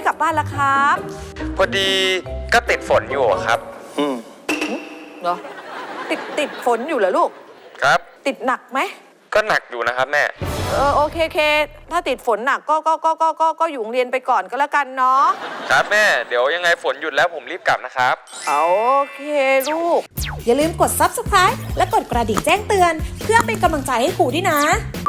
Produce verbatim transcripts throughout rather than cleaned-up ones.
ไม่กลับบ้านล่ะครับพอดีก็ติดฝนอยู่ครับอืมเหรอติดติดฝนอยู่เหรอลูกครับติดหนักไหมก็หนักอยู่นะครับแม่เออโอเคเคถ้าติดฝนหนักก็ก็ก็ก็ก็ก็อยู่โรงเรียนไปก่อนก็แล้วกันเนาะครับแม่เดี๋ยวยังไงฝนหยุดแล้วผมรีบกลับนะครับโอเคลูกอย่าลืมกด ซับสไครบ์ และกดกระดิ่งแจ้งเตือนเพื่อเป็นกำลังใจให้ครูด้วยนะ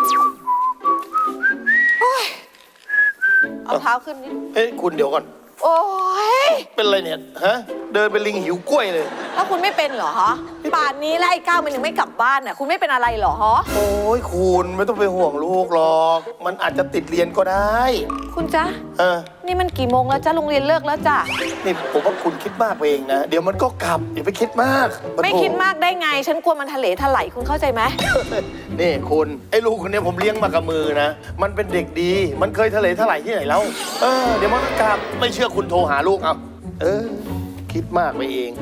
เอาเท้าขึ้นนิดเอ้ยคุณเดี๋ยวก่อนโอ้ยเป็นอะไรเนี่ยฮะเดินเป็นลิงหิวกล้วยเลยแล้วคุณไม่เป็นเหรอฮะป่านนี้แล้วไอ้ก้าวมันยังไม่กลับบ้านน่ะคุณไม่เป็นอะไรเหรอฮะโอ้ยคุณไม่ต้องไปห่วงลูกหรอกมันอาจจะติดเรียนก็ได้คุณจ๊ะเออนี่มันกี่โมงแล้วจ้ะโรงเรียนเลิกแล้วจ้ะนี่ผมว่าคุณคิดมากไปเองนะเดี๋ยวมันก็กลับอย่าไปคิดมากไม่คิดมากได้ไงฉันกลัวมันทะเลถลายคุณเข้าใจไหมนี่คุณไอ้ลูกคนนี้ผมเลี้ยงมากับมือนะมันเป็นเด็กดีมันเคยทะเลถลายที่ไหนแล้วเออเดี๋ยวมันก็กลับไม่เชื่อคุณโทรหาลูกเอาเออคิดมากไปเอง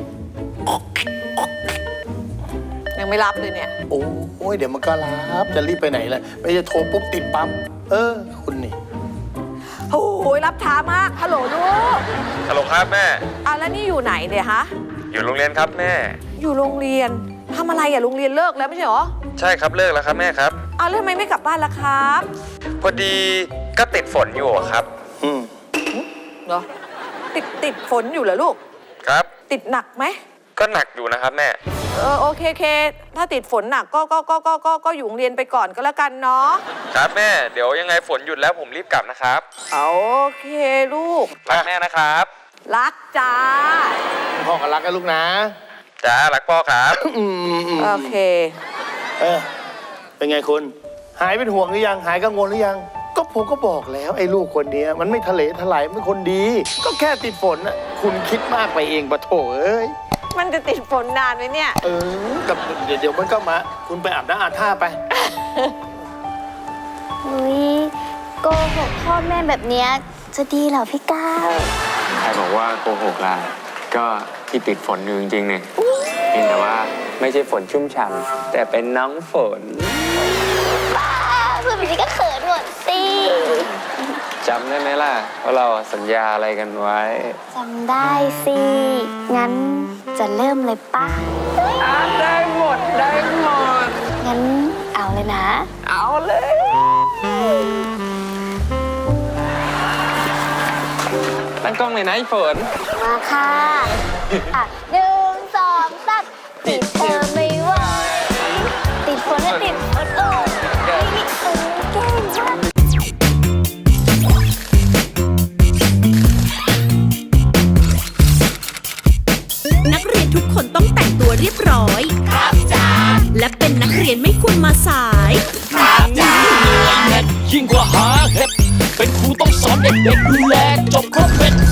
ยังไม่รับเลยเนี่ยโอ้ยเดี๋ยวมันก็รับจะรีบไปไหนล่ะไม่จะโทรปุ๊บติดปั๊บเออคุณนี่โอ้ยรับช้ามากฮัลโหลลูกฮัลโหลครับแม่อ่ะแล้วนี่อยู่ไหนเนี่ยฮะอยู่โรงเรียนครับแม่อยู่โรงเรียนทำอะไรอ่ะโรงเรียนเลิกแล้วไม่ใช่หรอใช่ครับเลิกแล้วครับแม่ครับอ้าวแล้วทำไมไม่กลับบ้านล่ะครับพอดีก็ติดฝนอยู่ครับอืมเหรอติดติดฝนอยู่เหรอลูกครับติดหนักไหมก็หนักอยู่นะครับแม่เออโอเคเคถ้าติดฝนหนักก็ก็ก็ก็ก็ก็อยู่โรงเรียนไปก่อนก็แล้วกันเนาะครับแม่เดี๋ยวยังไงฝนหยุดแล้วผมรีบกลับนะครับโอเคลูกรักแม่นะครับรักจ้าพ่อก็รักกันลูกนะจ้ารักพ่อครับโอเคเออเป็นไงคุณหายเป็นห่วงหรือยังหายกังวลหรือยังก็ผมก็บอกแล้วไอ้ลูกคนนี้มันไม่ทะเลถลายมันคนดีก็แค่ติดฝนน่ะคุณคิดมากไปเองปะโถเอ้ยมันจะติดฝนนานไหมเนี่ยเออกับเดี๋ยวเดี๋ยวมันก็มาคุณไปอาบน้ำอาบท่าไปอุ้ยโกหกพ่อแม่แบบเนี้ยจะดีเหรอพี่ก้าวใครบอกว่าโกหกล่ะก็ที่ติดฝนอยู่จริงๆเนี่ยเพียงแต่ว่าไม่ใช่ฝนชุ่มฉ่ำแต่เป็นน้องฝนบ้าพูดแบบนี้ก็เขินหมดสิจำได้ไหมล่ะว่าเราสัญญาอะไรกันไว้จำได้สิงั้นจะเริ่มเลยป่ะได้หมดได้หมดงั้นเอาเลยนะเอาเลยตั้งกล้องเลยนะไอ้ฝนมาค่ะอ่ะหนึ่งสองสามติดเธอไม่ไหวติดฝนและติดฝนโอ้ยนี่เออเก่งมากนักเรียนทุกคนต้องแต่งตัวเรียบร้อยครับจ้าและเป็นนักเรียนไม่ควรมาสายครับจ้ายิ่งกว่าหาเห็ดเป็นครูต้องสอนเด็กๆดูแลจบครบเป็น